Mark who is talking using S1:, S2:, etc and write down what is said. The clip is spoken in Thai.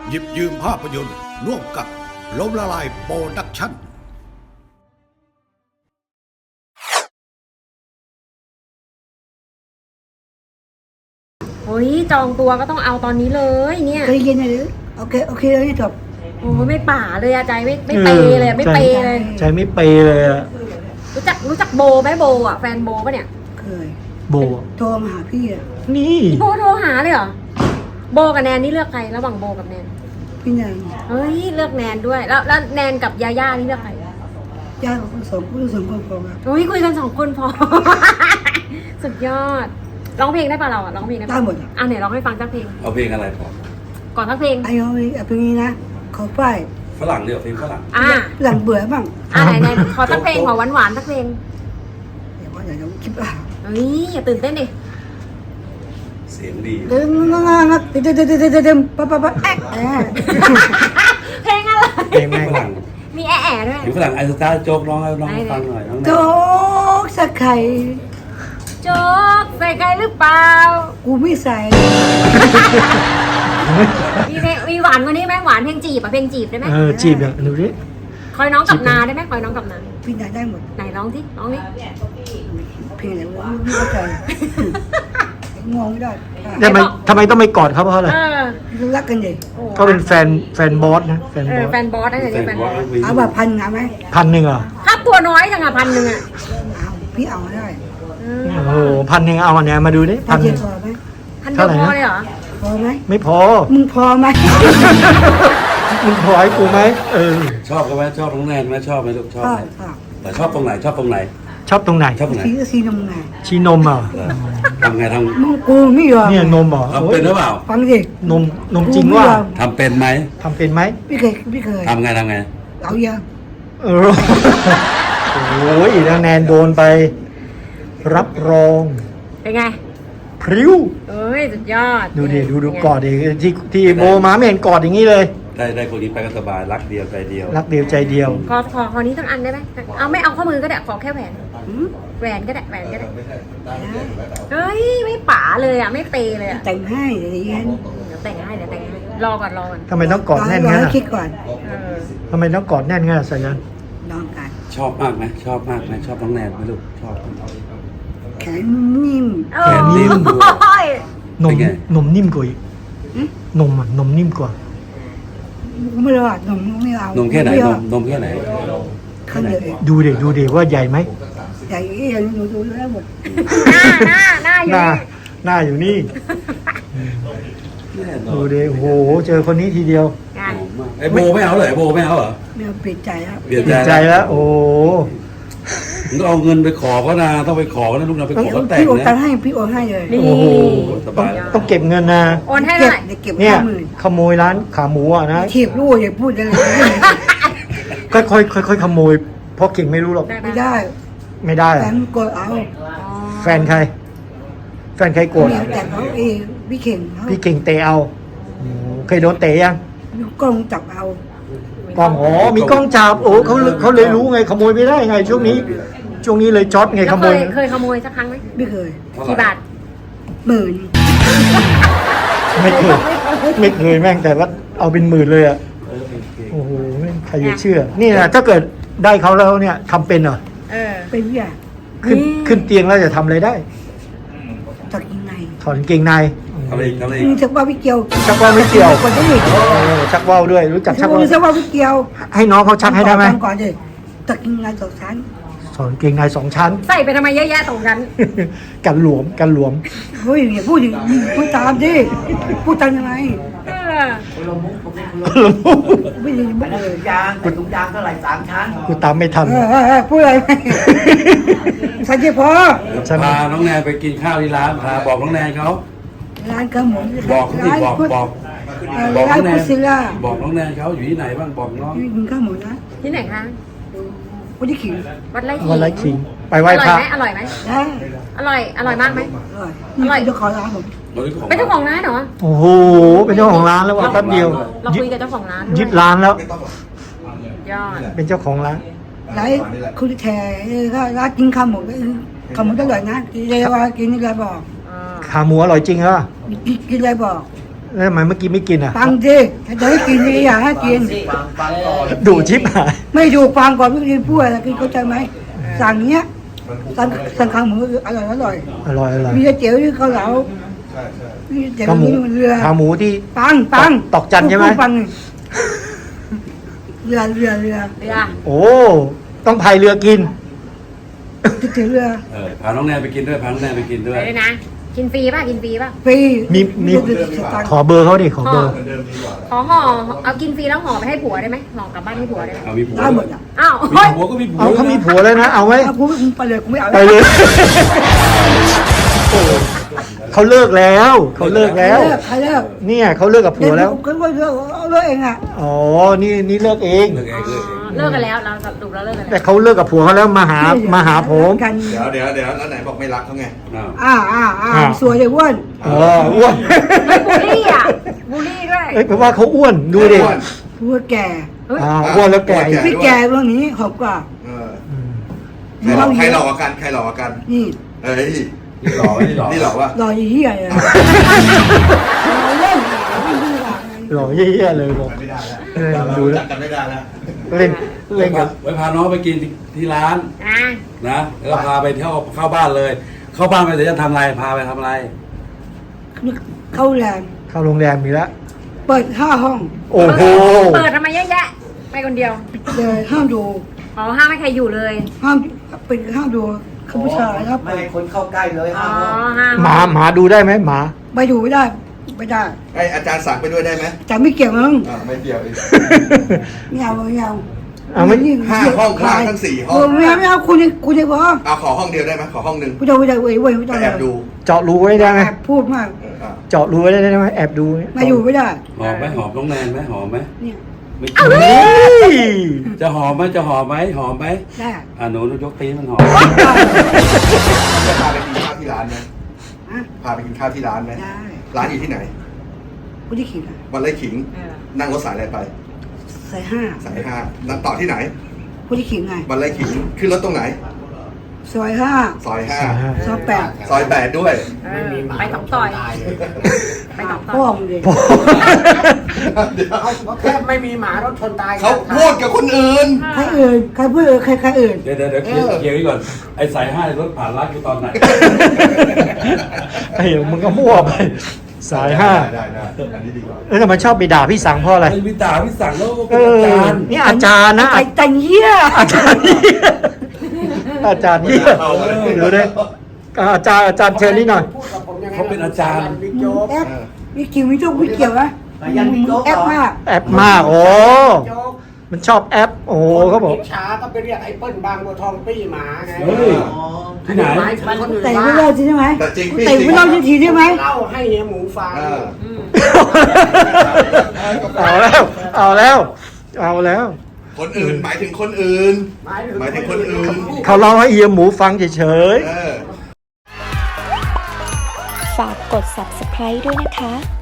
S1: หยิบยืมภาพยนตร์ร่วมกับล้มละลายโปรดักชั่น
S2: โอ้ยจองตัวก็ต้องเอาตอนนี้เลยเนี่ย
S3: เคยกินอะไรหรือโอเคเลยจบ
S2: โอ้ยไม่ป่าเลยอะใจไม่เปเลยไม่เปเลย
S4: ใจไม่เปเลยอะ
S2: รู้จักโบไหมโบอะแฟนโบปะเนี่ย
S3: เคย
S4: โบ
S3: โทรมาหาพี่อ่ะ
S4: นี่
S2: โบโทรหาเลยเหรอโบกับแนนนี่เลือกใครระหว่างโบกับแนน
S3: พี่นาย
S2: เฮ้ยเลือกแนนด้วยแล้วแนนกับยาย่านี่เลือกใคร
S3: ญาติของสองคนพอครับ
S2: โอ้ยคุยกัน2 คนพอ สุดยอดร้องเพลงได้ป่ะเราอะร้องเพลงได้ปะ
S3: ได้หมดอ่ะ
S2: อ่ะไหนร้องให้ฟังสักเพลง
S5: เอาเพลงอะไรพอ
S2: ก่อนสักเพลง
S3: ไอ้เอาเพลงนี้นะขอป้าย
S5: ฝรั่งเดียวเพลงฝรั่ง
S2: อ่ะ
S3: หลังเบื่อบ้าง
S2: ไหนขอสักเพลงขอหวานๆสักเพลง
S3: เดี๋ยวคิดว่า
S2: เฮ้ยอย่าตื่นเต้นดิ
S5: เสียงดี
S3: เดิมปั๊บแอ๊ะ
S2: เพลงอะไร
S4: เพลงแม่ง
S5: ฝรั่ง
S2: มีแอะๆด้วย
S5: เพลงฝรั่งไอสตาร์โจ๊กร้องให้น้องฟังหน่อยน้อง
S3: โจ๊กสักไข่
S2: โจ๊กใส่ไก่หรือเปล่า
S3: กูไม่ใส่
S2: มีหวานกว่านี้ไหมหวานเพลงจีบอะเพลงจีบได้ไหม
S4: จีบอ่ะดูดิ
S2: คอยน้องกับนาได้ไหมคอยน้องกับนา
S3: พี่นายได้หมด
S2: ไหนร้องที่ร้องนี่
S3: เพลงอะไรวะไม่เข้าใจงงไม่ได้
S4: ทำไมต้องไปกอดเขาเพราะอะไร
S3: รักกันดิ
S4: ก็เป็นแฟนบอสนะแฟนบอส
S2: แฟนบอสได้เลย
S5: แฟน
S2: แฟน
S5: บบ อ
S2: อ
S5: ส
S2: ส
S3: เอาแบบ1,000เอาไหม
S4: 1,000เหรอ
S2: ค่าตัวน้อยจังอะ1,000อะ
S3: เอาพี่เอาได้
S4: โอ้โห1,000เอาอันเนี้ยมาดูดิ
S3: ถ้า
S4: 1,000
S3: เทียบพอไหม
S2: 1,000เดียวพอเลยเหรอ
S3: พอไหม
S4: ไม่พอ
S3: มึงพอไหม
S4: มึงพอให้กูไหม
S5: ชอบกันไหมชอบน้องแนนไหมชอบไหมลูกชอบ
S3: ชอ
S5: ไหม
S3: บ
S5: แต่ชอบตรงไหนชอบตรงไหน
S4: ชอบตรงไหน
S5: ชอบตรงไหน
S3: สีนมไง
S4: ชีนมอ่ะ
S5: ทำไงท
S3: มึงกูไม่ยอม
S4: เนี่ยนมเหรอ
S5: ำทำเป็นหรือเปล่า
S3: ฟังดิ
S4: นมจริงว่า
S5: ทำเป็นไหม
S4: ทำเป็นไหม
S3: พี่เคย
S5: ทำไง
S3: เอายัง
S4: โอ้ยแล้วแนนโดนไป รับรอง
S2: เป็นไง
S4: พริ้ว
S2: เอ้ยสุดยอด
S4: ดูกอดดิที่โบมาไม่เห็นกอดอย่างนี้เลย
S5: ได้คนนี้ไปก็สบายรักเดียวใจเดียว
S4: รักเดียวใจเดียว
S2: ขอนี้ทั้งอันได้ไหมเอาไม่เอาข้อมือก็ได้ขอแค่แหวนแหวนก็ได้เฮ้ยไม่ป๋าเลยอะไม่เปย์เลยอะ
S3: แต่งให้เดี๋ยวเย็น
S2: เดี๋ยวแต่งให้รอก่อน
S4: ทำไมต้องกอดแน่น
S3: รอ
S4: งั้น
S3: ให้
S4: อ่ะ
S3: คิดก่อน
S4: ทำไมต้องกอดแน่นงั้นอ่ะสายัน
S3: ลองกัน
S5: ชอบมากไหมชอบมากไหมชอบน้องแนนไหมลูกชอบ
S3: แขนนิ่ม
S2: โอ้ย
S4: นมนิ่มกว่าอีกนมนิ่มกว่า
S3: ไม่รู้อ่ะนมไม่เอา
S5: นมแค่ไหนนมแค่ไหน
S3: ข้างเดียวเอง
S4: ดูดิว่าใหญ่ไหม
S3: ใหญ่ยังดูแล้วหมด
S2: หน้าอยู่
S4: หน้าอยู่นี่
S5: แน่นอ
S4: ดู
S5: น
S4: ดิโอ้โหเจอคนนี้ทีเดียว
S2: งาน
S5: หอมมากไอ้โบไม่เอาเลยโบไม่เอาเหรอ
S3: ไม่เอาเปลี่ยนใจแล้ว
S5: เปลี่ยน
S4: ติดใจ
S5: ใจ
S4: แล้ว โอ้โห
S5: มึงต้องเอาเงินไปขอก็นะต้องไปขอก็นะลูกนะไปขอเขาแต่ง
S3: พี่โอนตัง
S5: นะ
S3: ค์ให้พี่โอนให้เลย
S2: นี่
S4: โอ้โห
S5: สบาย
S4: ต้องเก็บเงินนะ
S2: โอนให้เท่าไหร่
S3: เก็บ
S4: เนี่ย
S3: 50,000
S4: ขโมยร้านขาหมูอ่ะนะ
S3: ถีบลูกอย่าพูดอะไร
S4: ค่อยขโมยเพราะเก่งไม่รู้หรอก
S3: ไม่ได้
S4: ไม่ได้
S3: แต่
S4: อะ
S3: มันกดเอา
S4: แฟนใครโกรธ
S3: เมียแต่เขาเองพี่เข่งเขา
S4: พี่เก่งเตะเอาโอ้โหเคยโดนเตะยัง
S3: กล้องจับเอา
S4: กล้องอ๋อมีกล้องจับโอ้เขาเลยรู้ไงขโมยไม่ได้ไงช่วงนี้เลยช็อตไง
S2: แล้ว
S4: ขโมย
S2: เคยขโมยสักครั้งไหม
S3: ไม่เคย
S2: กี่บาท
S3: 10,000
S4: ไม่เคยแม่งแต่ว่าเอาเป็นหมื่นเลยอ่ะโอ้โหแม่งใครจะเชื่อ นี่นะถ้าเกิดได้เขาแล้วเนี่ยทำเป็นเหรอ
S3: เป็นพี่อ่ะ
S4: ขึ้นเตียงแล้วจะทำอะไรได้
S3: จากยังไง
S4: ถอนกางเกงใน
S5: ทำอะไรอีกทำอะไรอี
S3: มึ
S5: ก
S3: งจะว่าพี่เกียว
S4: ชักว่าวไม่เกี่ยว
S3: คนที่อีก
S4: ชักว่าวด้วยรู้จักชัก
S3: มึ
S4: ว่าง
S3: จะว่าพี่เกียว
S4: ให้น้องเขาชักให้ได้ไหม
S3: ก่อนดิจากยังไงจากชั้น
S4: ถอนกางเกงใน2 ชั้น
S2: ใส่ไปทำไมเยอะแยะตรงกัน
S4: กันหลวม
S3: เฮ้ยอย่าพูดดิพูดตามดิพูดตามยังไงไม่ดีไม่เลย
S6: ยางใส่ถุงยางเท่าไหร่3 ชั้น
S4: กูตามไม่ทัน
S3: พูดอะไรสันเจพอ
S5: พาน้องแนนไปกินข้าวที่ร้านพาบอกน้องแนนเขา
S3: ร้านกระหมุน
S5: บอกเขาสิบอกน้
S3: ร้า
S5: อน งแน
S3: พุ
S5: น
S3: ซิล่า
S5: บอกน้องแนนเขาอยู่ที่ไหนบ้างบอกน้อง
S3: กินข้าวหมูนะ
S2: ที่ไหนคะ
S3: วันที่ขิง
S2: วัดไร่ขิง
S4: วันละขิงไป
S2: อ
S4: ไหว้
S2: ร่อย
S4: พระ
S2: ไหมอร่อยไหม
S3: ได้
S2: อร่อยมากไหม
S3: อร่อยนี่เจ้าของร้านผม
S2: เป็นเจ้าของร้านเหรอ
S4: โอ้โหเป็นเจ้าของร้านแล้วว่ะแป๊บเดียว
S2: เราคุยกับเจ้าของร้าน
S4: ยึดร้านแล้ว
S2: ยอด
S4: เป็นเจ้าของร้าน
S3: ร้านคุณแทร้านกินข้าวหมูข้าวหมูอร่อยนะกินอะไรบอกกินอะไรบอก
S4: ขาหมูอร่อยจริงเหรอ
S3: กินอะไรบอก
S4: รแล้วทำไมเมื่อกี้ไม่กินอ่ะ
S3: ฟังสิถ้าจะให้กินนี่อย่าให้กิน
S6: ฟังก่อน
S4: ดูชิบหาย
S3: ไม่ถูกฟังก่อนไม่กินพูดอะไรกินเข้าใจไหมสั่งเนี้ยสั่งข้าวหมูอร่อย
S4: อร่อยอร่อย
S3: มีเจ๋วที่เขาเหลามีเจ๋ว
S4: ขาหมู
S3: นี่เรือ
S4: ขาหมูที่
S3: ปัง
S4: ตอกจันใช่ไหม
S3: พูดฟังเรือ
S2: เรือ
S4: โอ้ต้องพายเรือกิน
S3: ติดถึงเรือ
S5: พาน้องแนนไปกินด้วยพาน้องแนนไปกินด้วย
S2: ไปด้วยนะกินฟรีป่ะกินฟรีป่ะ
S3: ฟรี
S4: มี
S3: สตางค์
S4: ขอเบอร์เขาดิขอเบอร์
S2: ขอห่อเอากินฟรีแล้วห่อไปให้ผัวได้ไหมห่อกลับบ้านให้ผัวได้ไหม
S5: เอามีผัว
S3: ได้หมดอ่ะ
S2: อ้าว
S5: มี
S2: เฮ้ย
S5: ผัวก็มีผัว
S4: เอาเขามีผัวเลยนะ เอาไว้
S3: ถ้าพูดไปเลยกูไม่เอา
S4: ไปเลยโอ้เขาเลิกแล้วเขาเลิกแล้ว
S3: ใครเลิก
S4: เนี่ยเขาเลิกกับผัวแล้ว
S3: ก็เลิกเอาเลิกเองอ่ะ
S4: อ๋อนี่เลิกเอง
S5: เลิกเองเลิกเอง
S2: เลิกกันแล้วเราสรุปแล้วเลิกกัน
S4: แต่
S2: แล้ว
S4: เขาเลิกกับผัวเขาแล้วมาหาผม
S3: กัน
S1: เดี๋ยวแล้วไหนบอกไม่รักเขาไง
S5: อ้าว
S3: สวยเลยอ้วน
S4: อ้วน
S2: บูลลี่อ่ะบูลลี่ด้วย
S4: เอ้ยแปลว่าเขาอ้วนดูดิ
S3: พูดแก่
S4: อ้วนแล้วแก่
S3: พี่แก่เรื่องนี้หอบกว่า
S1: เออ
S4: อืม
S1: ใครหลอกกว่ากันใครหลอกกว่ากัน
S3: นี่
S1: เอ้ย
S5: นี่หล่อไหมนี่หล่อ
S1: นี่หลอกวะ
S3: รอยี่เหี้ยเลยเล่นไม่ดีกว่า
S4: หล่อเยี่ยๆเลยบอก
S1: ไม่ได้แล้ว
S4: ดูแล้ว
S1: จับกันไม่ได้แล้ว
S4: เล่นกับ
S5: ไว้พาน้องไปกินที่ร้าน
S2: อ่ะ
S5: นะแล้วก็พาไปเที่ยวเข้าบ้านเลย เข้าบ้านไปเดี๋ยวจะทำอะไรพาไปทำอะไร
S3: เข้าแรง
S4: เข้าโรงแรมมีแล้ว
S3: เปิด5 ห้อง
S4: โอ้โห
S2: เปิดทำไมเยอะแยะไปคนเดียว
S3: เลยห้ามดู
S2: อ๋อห้ามให้ใครอยู่เลย
S3: ห้ามเป็นห้ามดูเขาผู้ชายครับ
S6: ไม่ให้คนเข้าใกล้เลย
S2: อ๋อ
S6: ห้าม
S2: ห้าม
S4: หมาดูได้ไหมหมา
S3: ไปดูไม่ได้
S1: ไออาจารย์สั่งไปด้วยได้ไหม
S3: แต่ไม่เกี่ยวมึง
S1: ไม่เกี่ยวอีก
S3: ไม่เอา
S4: เอาไม่
S1: ห้าห้องข้างทั้ง4 ห้อง
S3: ไม่เอาคุณยังพอ
S1: เอาขอห้องเดียวได้ไหมขอห้องหนึ่ง
S3: ผู้ชายเว้ยไม่ต้อง
S1: แอบดู
S4: เจาะรูไว้ได้ไหม
S3: แอบพูดมาก
S4: เจาะรูไว้ได้ไหมแอบดู
S3: มาอยู่ไม่ได้
S5: หอมไหมหอมน้องแนนไหมหอมไหม
S3: เนี่ย
S5: ไม่
S4: เฮ้ย
S5: จะหอมไหมจะหอมไหมหอมไหม
S3: ได้
S5: หนูยกตีนมันหอม
S1: จะพาไปกินข้าวที่ร้านไหม
S3: ฮะ
S1: พาไปกินข้าวที่ร้านไหม
S3: ได้
S1: ร้านอยู่ที่ไหน
S3: ผู้ที่ขิง
S1: วันไร่ขิง
S2: เออ
S1: นั่งรถสายอะไรไป
S3: ใส่
S1: สาย5นั่งต่อที่ไหน
S3: 5ผู้ที่ขิงไง
S1: วันไร่ขิงขึ้นรถตรงไหน
S3: ซอย
S1: ซอย
S3: 5ซอย
S1: 5ซอย8ด้วย
S2: เออไปสองต่อยไปสอง
S3: 8
S2: ต่
S3: พ่อ
S2: อย
S3: มึงเลย
S1: เดี๋ยว
S6: แค่ไม่มีหมารถชนตาย
S1: เขาพูดกับคนอื่น
S3: ใครพูดใครอื่น
S5: เดี๋ยวเคลียร์ไว้ก่อนไอ้สายห้ารถผ่านรักอยู่ตอนไหน
S4: ไอ้เหี้ยมึงก็มั่วไปสาย5
S1: ได้อันนี้ดีกว่า
S4: แล้วทำไมชอบไปด่าพี่สังเพราะอะไร
S5: ไอ้วิตาพี่สั่งแล้ว
S4: เอ
S5: เป็นอา
S4: อ
S5: จารย์
S4: นี่อาจารย์นะ
S3: แต่งเหี้ย
S4: อาจารย์นี่อาจารย์นี่ดูดิอาจารย์เชิญนี่หน่อย
S6: พูดกับผมยังไง
S5: เขาเป็นอาจารย์
S6: บิ๊กโจ๊ก
S3: แอปมีกิ่วมีจุกมีเกี่ยวนะแอปมาก
S4: แอปมากโอ้
S6: โจ๊ก
S4: มันชอบแอปโอ้เขาบอก
S6: อิจฉาก็ไปเรียกไอ้เปิ้ลบางบัวทองปี้หมาไง
S5: เฮ้ยที่ไหน
S6: หมายถึงคนอื่น
S3: แต่
S6: ว่า
S3: ไม่เล่าใช่ไหม
S1: แต่จริงพี่
S3: แต่ไม่เล่าทีได้ไหม
S6: เล่าให้เฮียหมูฟัง
S1: เออ
S4: เอาแล้ว
S1: คนอื่นหมายถึงคนอื่น หมายถึงคนอื่น
S4: เขาเล่าให้เอียหมูฟังเฉย
S1: เออ
S7: ฝากกด subscribe ด้วยนะคะ